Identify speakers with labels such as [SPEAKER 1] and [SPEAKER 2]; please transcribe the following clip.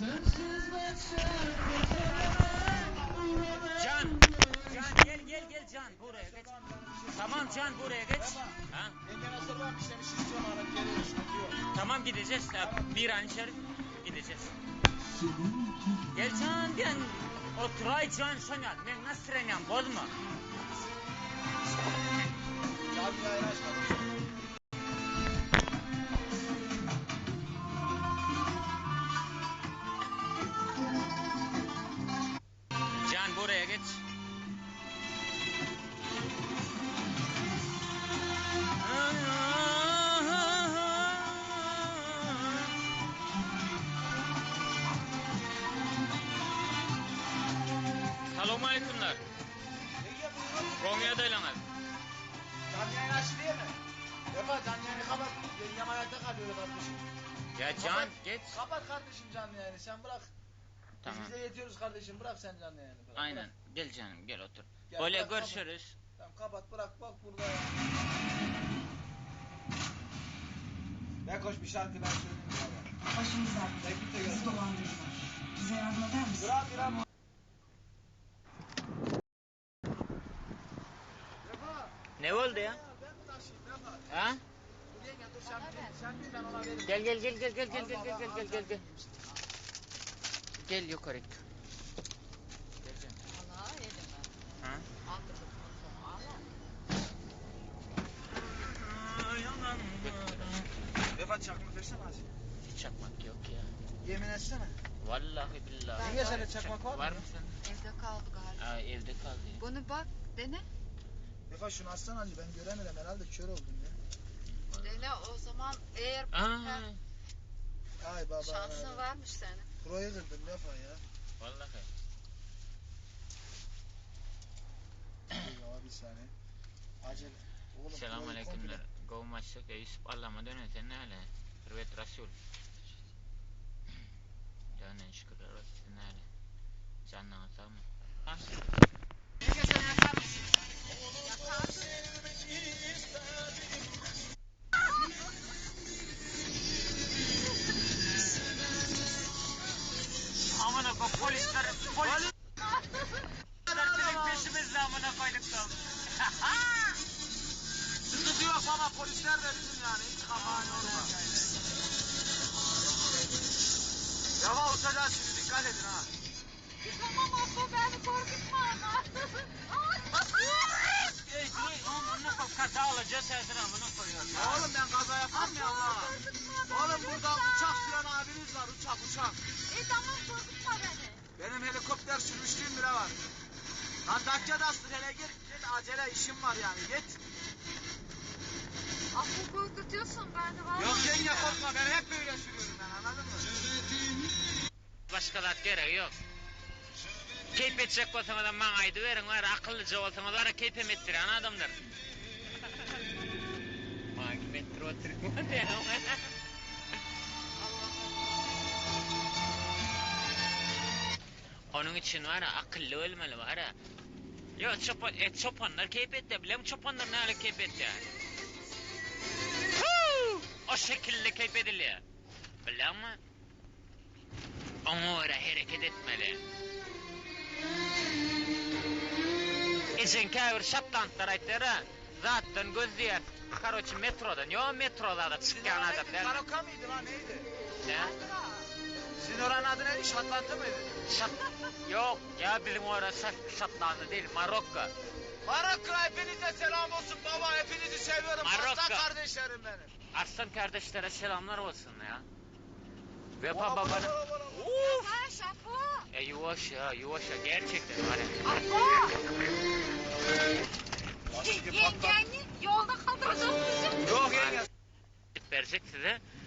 [SPEAKER 1] Can, gel Can buraya geç. Tamam Can buraya geç. Ha?
[SPEAKER 2] Yenge nasıl varmış seni şişiyorum alıp geliyoruz.
[SPEAKER 1] Tamam gideceğiz. Bir an içeri gideceğiz. Gel Can gel. Oturay Can sana. Ben nasıl renyan bozma.
[SPEAKER 2] Canlı yayın açmadım.
[SPEAKER 1] Can buraya geç. Selamun aleykümler. Konya'da ilanlar.
[SPEAKER 2] Canlı yayın açtı değil mi? Defa canlı yayını kapat. Yengem ayakta kalıyor kardeşim.
[SPEAKER 1] Ya Can
[SPEAKER 2] Kapat,
[SPEAKER 1] geç.
[SPEAKER 2] Kapat kardeşim canlı yayını sen bırak.
[SPEAKER 1] Tamam.
[SPEAKER 2] Biz bize yetiyoruz kardeşim bırak sen canlı yayını. Bırak,
[SPEAKER 1] Aynen.
[SPEAKER 2] Bırak.
[SPEAKER 1] Gel canım gel otur.
[SPEAKER 2] Gel,
[SPEAKER 1] Böyle
[SPEAKER 2] bırak,
[SPEAKER 1] görüşürüz.
[SPEAKER 2] Kapat. Tamam kapat bırak bak burada ya. Bekoş bir şarkı ben söyleyeyim ya.
[SPEAKER 3] Başımız ağrıyor. Bizi dolandırdılar. Bize yardım eder misin?
[SPEAKER 2] Bırak.
[SPEAKER 1] Ne oldu ya?
[SPEAKER 2] Ben mi taşıyayım Defa?
[SPEAKER 1] Ha?
[SPEAKER 2] Dur yenge dur sen bil ben ona veririm.
[SPEAKER 1] Gel.
[SPEAKER 2] Al.
[SPEAKER 1] Gel yukarı. Gel canım.
[SPEAKER 4] Allah yedim ben.
[SPEAKER 1] Ha?
[SPEAKER 4] Aldırdım sonra Allah.
[SPEAKER 2] Defa çakmak versene hadi.
[SPEAKER 1] Hiç çakmak yok ya.
[SPEAKER 2] Yemin etsene.
[SPEAKER 1] Vallahi billahi.
[SPEAKER 2] Yenge sende çakmak var mı?
[SPEAKER 1] Var mı senin?
[SPEAKER 4] Evde kaldı galiba.
[SPEAKER 1] Aa, evde kaldı ya.
[SPEAKER 4] Bunu bak dene.
[SPEAKER 2] Defa şunu açsana hadi ben göremiyorum herhalde kör oldum ya.
[SPEAKER 4] Dene o zaman eğer
[SPEAKER 1] Aa,
[SPEAKER 2] Ay baba.
[SPEAKER 4] şansın varmış senin.
[SPEAKER 2] Pro'yu kırdım Defa ya.
[SPEAKER 1] vallahi.
[SPEAKER 2] Ya bir saniye. Acele. Oğlum
[SPEAKER 1] Selamun
[SPEAKER 2] Pro'yu
[SPEAKER 1] aleykümler.
[SPEAKER 2] komple-
[SPEAKER 1] Kovmaçlık Yusuf Allah'ıma dönesen ne hale? Hürvet Resul. Dönen şükürler olsun ne hale? Canına sağ mı? Ha?
[SPEAKER 4] Yenge sen yakar mısın? Yakarsın.
[SPEAKER 1] Amına koy polisler senin peşimizde amına koyduk da.
[SPEAKER 2] Sıkıntı yok baba polisler de bizim yani hiç kafan yorma. Yava uçacağız şimdi dikkat edin ha.
[SPEAKER 4] Tamam abla beni korkutma ama.
[SPEAKER 1] Amına koy kaza olacağız sen amına koyuyor.
[SPEAKER 2] Ya oğlum ben kaza yapmam ya Allah. Oğlum burada uçak süren abiniz var uçak.
[SPEAKER 4] Tamam korkutma beni.
[SPEAKER 2] Benim helikopter sürmüşlüğüm bile var. Lan Dakya'da astır hele git acele işim var yani git.
[SPEAKER 4] Abla korkutuyorsun beni var.
[SPEAKER 2] Yok yenge korkma ben hep böyle sürüyorum ben anladın mı?
[SPEAKER 1] Başkalar gerek yok. Keyif edecek olsanız da bana aydı verin var akıllıca olsanız var keyfim ettiren adamdır. Bana metro oturma ya. Onun için var ya akıllı olmalı var ya. Yo çopanlar keyif etti biliyor musun çopanlar ne hale keyif etti yani. O şekilde keyif ediliyor. Biliyor musun? Ona göre hareket etmeli. İçin kavir şaptantlar aytları zaten gözlüyor. Karoçi metrodan, yo metrolarda çıkan adamlar.
[SPEAKER 2] Karoka mıydı lan neydi?
[SPEAKER 1] Ne?
[SPEAKER 2] Sizin oranın adı neydi? Şatlantı mıydı?
[SPEAKER 1] Yok ya bizim orası Şatlandı değil Marokko.
[SPEAKER 2] Marokko hepinize selam olsun baba hepinizi seviyorum.
[SPEAKER 1] Marokko.
[SPEAKER 2] Aslan kardeşlerim benim.
[SPEAKER 1] Aslan kardeşlere selamlar olsun ya. Ve
[SPEAKER 2] Ola,
[SPEAKER 1] babanı...
[SPEAKER 2] ola, ola, ola.
[SPEAKER 1] Uf!
[SPEAKER 4] Ha şapo.
[SPEAKER 1] Yavaş ya gerçekten var ya.
[SPEAKER 4] Abla. Yengeni yolda kaldıracağız bizi.
[SPEAKER 2] Yok yenge.
[SPEAKER 1] Verecek size.